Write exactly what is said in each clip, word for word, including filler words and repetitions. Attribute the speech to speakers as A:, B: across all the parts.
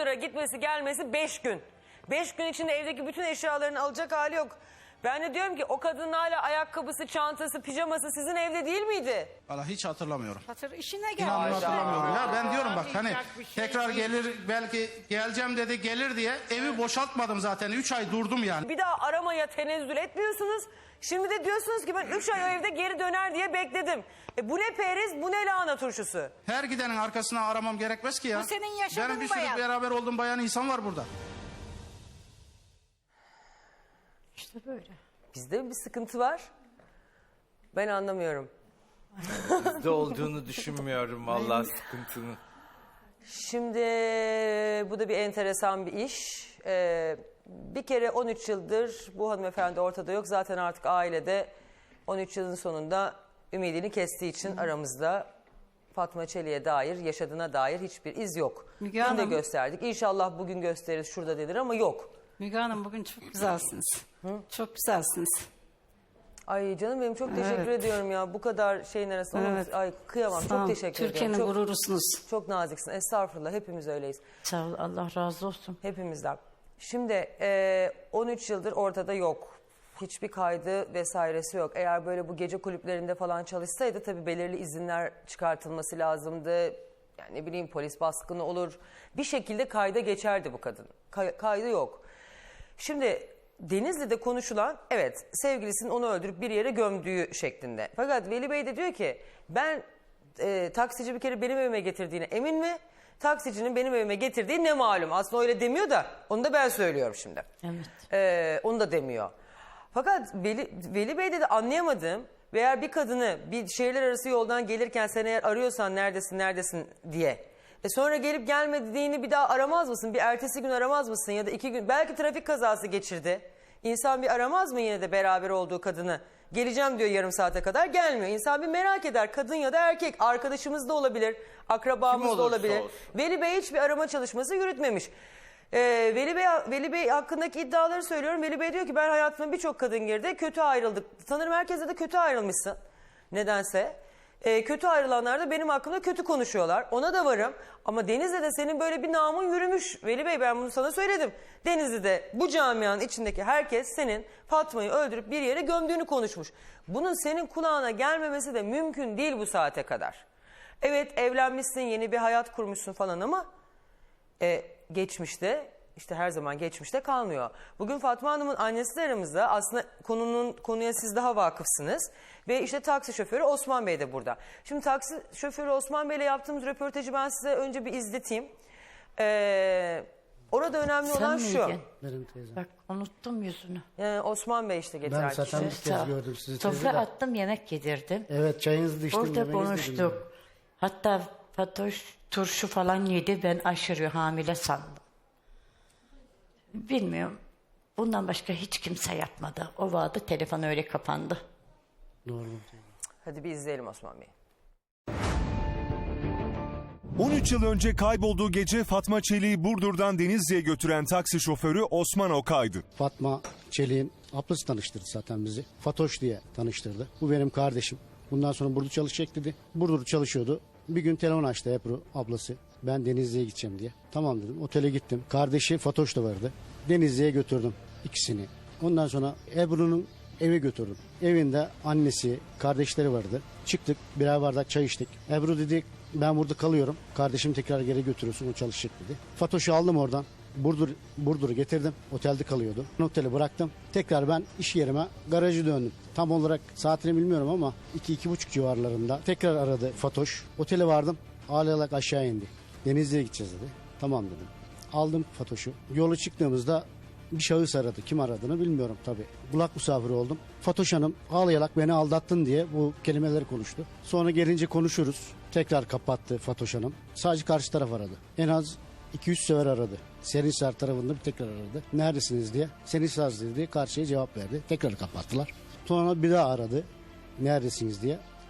A: Burdur'a gitmesi gelmesi beş gün. Beş gün içinde evdeki bütün eşyalarını alacak hali yok. Ben de diyorum ki o kadının hala ayakkabısı, çantası, pijaması sizin evde değil miydi?
B: Valla hiç hatırlamıyorum.
C: Hatır işine gel.
B: İnanın hatırlamıyorum. Ya ben diyorum bak hani tekrar gelir belki geleceğim dedi gelir diye evi boşaltmadım zaten. Üç ay durdum yani.
A: Bir daha aramaya tenezzül etmiyorsunuz. Şimdi de diyorsunuz ki ben üç ay o evde geri döner diye bekledim. E bu ne periz, bu ne lahana turşusu?
B: Her gidenin arkasına aramam gerekmez ki ya.
C: Bu senin yaşadığın
B: Benim bir sürü
C: bayan.
B: beraber olduğum bayan insan var burada.
C: İşte böyle.
A: Bizde bir sıkıntı var. Ben anlamıyorum.
D: Bizde olduğunu düşünmüyorum vallahi sıkıntının.
A: Şimdi bu da bir enteresan bir iş. Ee, bir kere on üç yıldır bu hanımefendi ortada yok. Zaten artık ailede on üç yılın sonunda ümidini kestiği için aramızda Fatma Çelik'e dair, yaşadığına dair hiçbir iz yok.
C: Müge
A: Dün de
C: Hanım.
A: gösterdik. İnşallah bugün gösteririz şurada denir ama yok.
C: Müge Hanım bugün çok güzelsiniz. Çok güzelsiniz.
A: Ay canım benim çok teşekkür
C: Evet.
A: ediyorum ya. Bu kadar şeyin arasında.
C: Evet.
A: Ay kıyamam.
C: Sağ
A: Çok
C: olun.
A: teşekkür
C: Türkiye'nin
A: ediyorum. Çok,
C: gururusunuz.
A: çok naziksin. Estağfurullah. Hepimiz öyleyiz.
C: Sağ ol, Allah razı olsun.
A: Hepimizden. Şimdi e, on üç yıldır ortada yok. Hiçbir kaydı vesairesi yok. Eğer böyle bu gece kulüplerinde falan çalışsaydı tabii belirli izinler çıkartılması lazımdı. Yani ne bileyim polis baskını olur. Bir şekilde kayda geçerdi bu kadın. Kay- kaydı yok. Şimdi Denizli'de konuşulan evet sevgilisinin onu öldürüp bir yere gömdüğü şeklinde. Fakat Veli Bey de diyor ki ben e, taksici bir kere benim evime getirdiğine emin mi? Taksicinin benim evime getirdiği ne malum. Aslında öyle demiyor da onu da ben söylüyorum şimdi.
C: Evet.
A: Ee, onu da demiyor. Fakat Veli, Veli Bey'de de anlayamadım. Veya bir kadını bir şehirler arası yoldan gelirken sen eğer arıyorsan neredesin neredesin diye. E sonra gelip gelmediğini bir daha aramaz mısın? Bir ertesi gün aramaz mısın? Ya da iki gün belki trafik kazası geçirdi. İnsan bir aramaz mı yine de beraber olduğu kadını? Geleceğim diyor yarım saate kadar gelmiyor. İnsan bir merak eder kadın ya da erkek. Arkadaşımız da olabilir, akrabamız da
D: olursa
A: olabilir.
D: olsun.
A: Veli Bey hiçbir arama çalışması yürütmemiş. Ee, Veli Bey, Veli Bey hakkındaki iddiaları söylüyorum. Veli Bey diyor ki ben hayatıma birçok kadın girdi. Kötü ayrıldık. Sanırım herkese de kötü ayrılmışsın. Nedense. Ee, kötü ayrılanlar da benim hakkımda kötü konuşuyorlar. Ona da varım. Ama Denizli'de senin böyle bir namın yürümüş. Veli Bey ben bunu sana söyledim. Denizli'de bu camianın içindeki herkes senin Fatma'yı öldürüp bir yere gömdüğünü konuşmuş. Bunun senin kulağına gelmemesi de mümkün değil bu saate kadar. Evet evlenmişsin, yeni bir hayat kurmuşsun falan ama e, geçmişte işte her zaman geçmişte kalmıyor. Bugün Fatma Hanım'ın annesi de aramızda. Aslında konunun konuya siz daha vakıfsınız. Ve işte taksi şoförü Osman Bey de burada. Şimdi taksi şoförü Osman Bey'le yaptığımız röportajı ben size önce bir izleteyim. Ee, orada önemli
C: Sen
A: olan şu.
C: miydin?
E: Benim teyzem.
C: Bak unuttum yüzünü.
A: Yani Osman Bey işte getiren
E: Ben
A: kişi.
E: zaten bir kez gördüm sizi teyze
C: Sofra
E: de.
C: attım yemek yedirdim.
E: Evet çayınızı da içtim.
C: Orada
E: yemeğinizi de
C: konuştuk.
E: bilmiyorum.
C: Hatta Fatoş turşu falan yedi. Ben aşırı hamile sandım. Bilmiyorum. Bundan başka hiç kimse yapmadı. O vardı telefon öyle kapandı.
E: Doğru.
A: Hadi bir izleyelim Osman Bey.
F: on üç yıl önce kaybolduğu gece Fatma Çelik'i Burdur'dan Denizli'ye götüren taksi şoförü Osman Okay'dı.
E: Fatma Çelik'in ablası tanıştırdı zaten bizi. Fatoş diye tanıştırdı. Bu benim kardeşim. Bundan sonra burada çalışacak dedi. Burada çalışıyordu. Bir gün telefon açtı Ebru ablası. Ben Denizli'ye gideceğim diye. Tamam dedim. Otele gittim. Kardeşi Fatoş da vardı. Denizli'ye götürdüm ikisini. Ondan sonra Ebru'nun eve götürdüm. Evinde annesi, kardeşleri vardı. Çıktık birer bardak çay içtik. Ebru dedi ben burada kalıyorum. Kardeşim tekrar geri götürürsün o çalışacak dedi. Fatoş'u aldım oradan. Burdur, Burdur'u getirdim. Otelde kalıyordu. Oteli bıraktım. Tekrar ben iş yerime garajı döndüm. Tam olarak saatini bilmiyorum ama iki iki buçuk civarlarında tekrar aradı Fatoş. Otele vardım. Ağlayarak aşağı indi. Denizli'ye gideceğiz dedi. Tamam dedim. Aldım Fatoş'u. Yola çıktığımızda bir şahıs aradı. Kim aradığını bilmiyorum tabii. Kulak misafiri oldum. Fatoş Hanım ağlayarak beni aldattın diye bu kelimeleri konuştu. Sonra gelince konuşuruz. Tekrar kapattı Fatoş Hanım. Sadece karşı taraf aradı. En az iki üç sefer aradı. Serinhisar tarafında bir tekrar aradı. Neredesiniz diye. Serinhisar dedi. Karşıya cevap verdi. Tekrar kapattılar. Sonra bir daha aradı. Neredesiniz diye.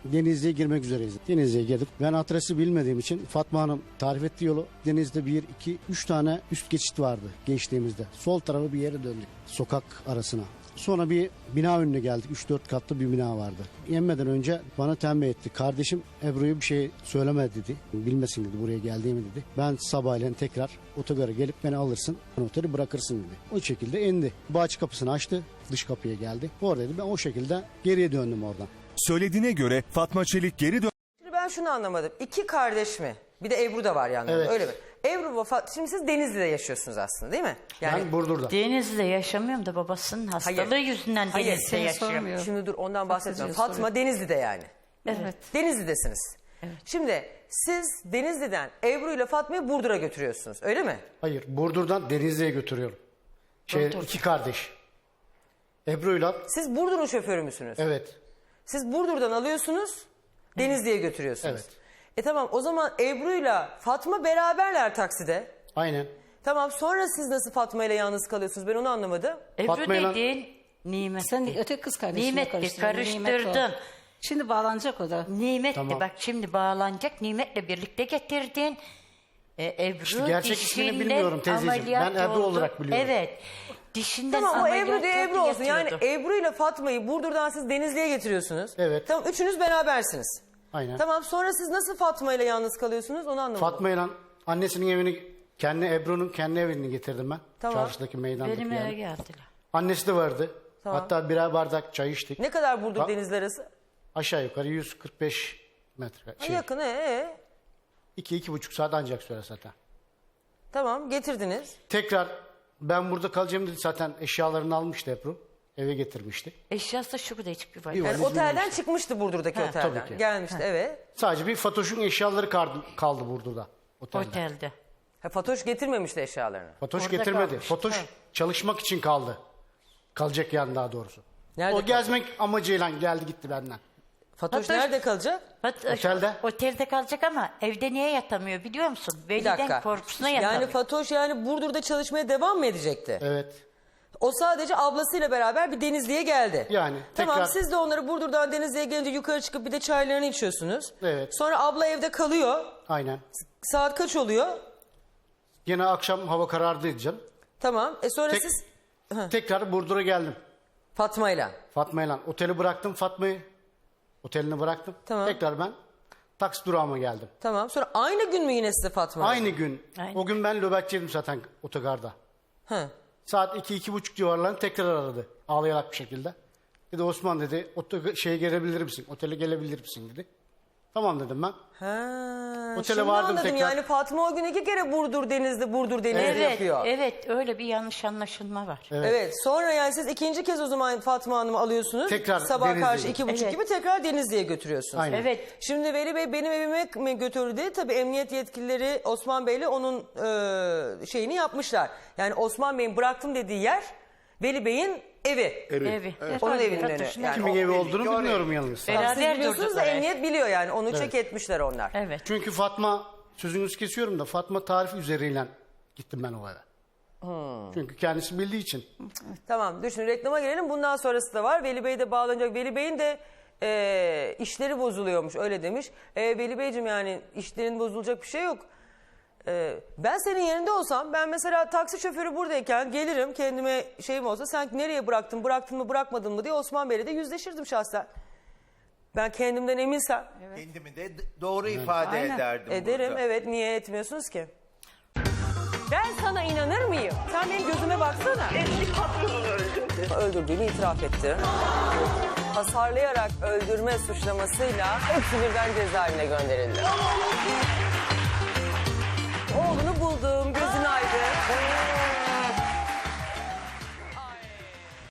E: Denizli'ye girmek üzereyiz. Denizli'ye girdik. Ben adresi bilmediğim için Fatma Hanım tarif ettiği yolu, Denizli'de bir, iki, üç tane üst geçit vardı geçtiğimizde. Sol tarafı bir yere döndük. Sokak arasına. Sonra bir bina önüne geldik. üç dört katlı bir bina vardı. Yenmeden önce bana tembih etti. Kardeşim Ebru'ya bir şey söyleme dedi. Bilmesin dedi buraya geldiğimi dedi. Ben sabahleyin tekrar otogara gelip beni alırsın. Oteli bırakırsın dedi. O şekilde indi. Bahçe kapısını açtı. Dış kapıya geldi. Oradaydı. Ben o şekilde geriye döndüm oradan.
F: Söylediğine göre Fatma Çelik geri dön...
A: Şimdi ben şunu anlamadım. İki kardeş mi? Bir de Ebru da var yanında.
E: Evet.
A: Öyle mi? Ebru vefat. Şimdi siz Denizli'de yaşıyorsunuz aslında değil mi? Yani
E: Ben Burdur'da.
C: Denizli'de yaşamıyorum da babasının hastalığı
A: Hayır.
C: yüzünden
A: Hayır,
C: Denizli'de
A: seni
C: yaşıyorum.
G: sormuyor.
A: şimdi dur ondan bahsetmiyorum.
G: Soruyor.
A: Fatma Denizli'de yani.
C: Evet.
A: Denizli'desiniz. Şimdi siz Denizli'den Ebru ile Fatma'yı Burdur'a götürüyorsunuz. Öyle mi?
E: Hayır, Burdur'dan Denizli'ye götürüyorum. Şey, iki kardeş. Ebru'yla,
A: Siz Burdur'un şoförü müsünüz?
E: evet.
A: Siz Burdur'dan alıyorsunuz, Denizli'ye götürüyorsunuz.
E: Evet.
A: E tamam, o zaman Ebru'yla Fatma beraberler takside.
E: Aynen.
A: Tamam, sonra siz nasıl Fatma ile yalnız kalıyorsunuz? Ben onu anlamadım.
C: Ebru
E: Fatma'yla-
C: değil, Nimet.
G: Sen de öteki kız kardeşini
C: Nimet'ti,
G: karıştırdın. Nimet o.
C: karıştırdın.
G: Şimdi bağlanacak o da.
C: Nimet'ti,
E: Tamam.
C: bak şimdi bağlanacak. Nimet'le birlikte getirdin. E, Ebru
E: İşte gerçek ismini
C: dişinden
E: bilmiyorum teyzeciğim.
C: ameliyat
E: Ben Ebru
C: oldu.
E: olarak biliyorum.
C: Evet. Dişinden
A: Tamam, o
C: ameliyat
A: Ebru diye
C: oldu,
A: Ebru olsun. Yani
C: yatıyordu.
A: Ebru ile Fatma'yı Burdur'dan siz Denizli'ye getiriyorsunuz.
E: Evet.
A: Tamam, üçünüz berabersiniz.
E: Aynen.
A: Tamam, sonra siz nasıl Fatma ile yalnız kalıyorsunuz onu anlamadım.
E: Fatma'yla annesinin evini, kendi Ebru'nun kendi evini getirdim ben.
A: Tamam.
E: Çarşıdaki meydandaki
C: Benim eve
E: yani.
C: geldiler.
E: Annesi de vardı.
A: Tamam.
E: Hatta birer bardak çay içtik.
A: Ne kadar Burdur
E: Ha-
A: Denizli arası?
E: Aşağı yukarı yüz kırk beş metre.
A: Ha,
E: Şey,
A: yakın, ee, ee.
E: iki, iki buçuk saat ancak sürer zaten.
A: Tamam, getirdiniz.
E: Tekrar ben burada kalacağım dedi, zaten eşyalarını almıştı Ebru. Eve getirmişti.
C: Eşyası da şurada hiçbir var.
E: Bir
A: Yani
E: valiz
A: otelden
E: binmişti.
A: çıkmıştı Burdur'daki
C: Ha,
A: otelden.
E: tabii ki.
A: Gelmişti, evet.
E: Sadece bir Fatoş'un eşyaları kaldı, kaldı Burdur'da. Otelde.
C: Otelde.
A: Ha, Fatoş getirmemişti eşyalarını.
E: Fatoş
C: Orada
E: getirmedi.
C: kalmış.
E: Fatoş
C: Ha.
E: çalışmak için kaldı. Kalacak yani daha doğrusu.
A: Nerede
E: o
A: kaldı?
E: gezmek amacıyla geldi gitti benden.
A: Fatoş,
C: Fatoş-
A: nerede kalacak?
C: Bak,
E: Otelde.
C: Otelde kalacak ama evde niye yatamıyor biliyor musun?
A: Bir
C: Veliden
A: dakika.
C: korkusuna yatamıyor.
A: Yani Fatoş yani Burdur'da çalışmaya devam mı edecekti?
E: Evet.
A: O sadece ablasıyla beraber bir Denizli'ye geldi.
E: Yani
A: Tamam,
E: tekrar-
A: siz de onları Burdur'dan Denizli'ye gelince yukarı çıkıp bir de çaylarını içiyorsunuz.
E: Evet.
A: Sonra abla evde kalıyor.
E: Aynen.
A: Saat kaç oluyor?
E: Yine akşam hava karardıydı canım.
A: Tamam. E sonra
E: Tek-
A: siz
E: Tekrar Burdur'a geldim.
A: Fatma'yla.
E: Fatma'yla. Oteli bıraktım Fatma'yı. Otelini bıraktım.
A: Tamam.
E: Tekrar ben taksi durağıma geldim.
A: Tamam. Sonra aynı gün mü yine size Fatma?
E: Aynı gün.
C: Aynen.
E: O gün ben nöbetçiydim zaten otogarda.
A: Hı.
E: Saat iki iki buçuk civarlarında tekrar aradı. Ağlayarak bir şekilde. Dedi Osman dedi oto şeye gelebilir misin? Otele gelebilir misin dedi. Tamam dedim ben.
A: Ha,
E: Otele
A: şimdi
E: vardım
A: anladım.
E: tekrar.
A: Yani Fatma o gün iki kere Burdur Denizli, Burdur Denizli
C: Evet,
A: yapıyor.
C: evet öyle bir yanlış anlaşılma var.
A: Evet. Sonra yani siz ikinci kez o zaman Fatma Hanım'ı alıyorsunuz.
E: Tekrar
A: Sabah
E: Denizli'ye.
A: karşı iki buçuk
C: Evet.
A: gibi tekrar Denizli'ye götürüyorsunuz.
E: Aynen.
C: Evet.
A: Şimdi Veli Bey benim evime mi götürdü? Tabii emniyet yetkilileri Osman Bey'le onun e, şeyini yapmışlar. Yani Osman Bey'in bıraktım dediği yer Veli Bey'in evi.
C: Evi.
A: Onun evinin önü.
C: Fatoş'un
A: Yani
E: Kimin
A: o-
E: evi olduğunu bilmiyorum yalnız.
A: Tamam, siz
C: Beraber
A: biliyorsunuz da
C: durdular.
A: emniyet biliyor yani. Onu çek etmişler onlar.
C: Evet.
E: Çünkü Fatma, sözünüzü kesiyorum da Fatma tarifi üzeriyle gittim ben o eve. Çünkü kendisi bildiği için.
A: Tamam, düşün reklama girelim. Bundan sonrası da var. Veli Bey de bağlanacak. Veli Bey'in de e, işleri bozuluyormuş öyle demiş. E, Veli Beyciğim yani işlerin bozulacak bir şey yok. E, ben senin yerinde olsam ben mesela taksi şoförü buradayken gelirim kendime şeyim olsa sen nereye bıraktın bıraktın mı bırakmadın mı diye Osman Bey'le de yüzleşirdim şahsen. Ben kendimden eminsem
D: Kendimi de d- doğru ifade
C: Aynen.
D: ederdim
A: ederim.
D: burada.
A: Evet, niye etmiyorsunuz ki? Ben sana inanır mıyım? Sen benim gözüme baksana.
H: Eski patronunu öldürdü.
A: Öldürdüğünü itiraf etti. Hasarlayarak öldürme suçlamasıyla hepsi birden cezaevine gönderildi. Oğlunu buldum, gözün aydın.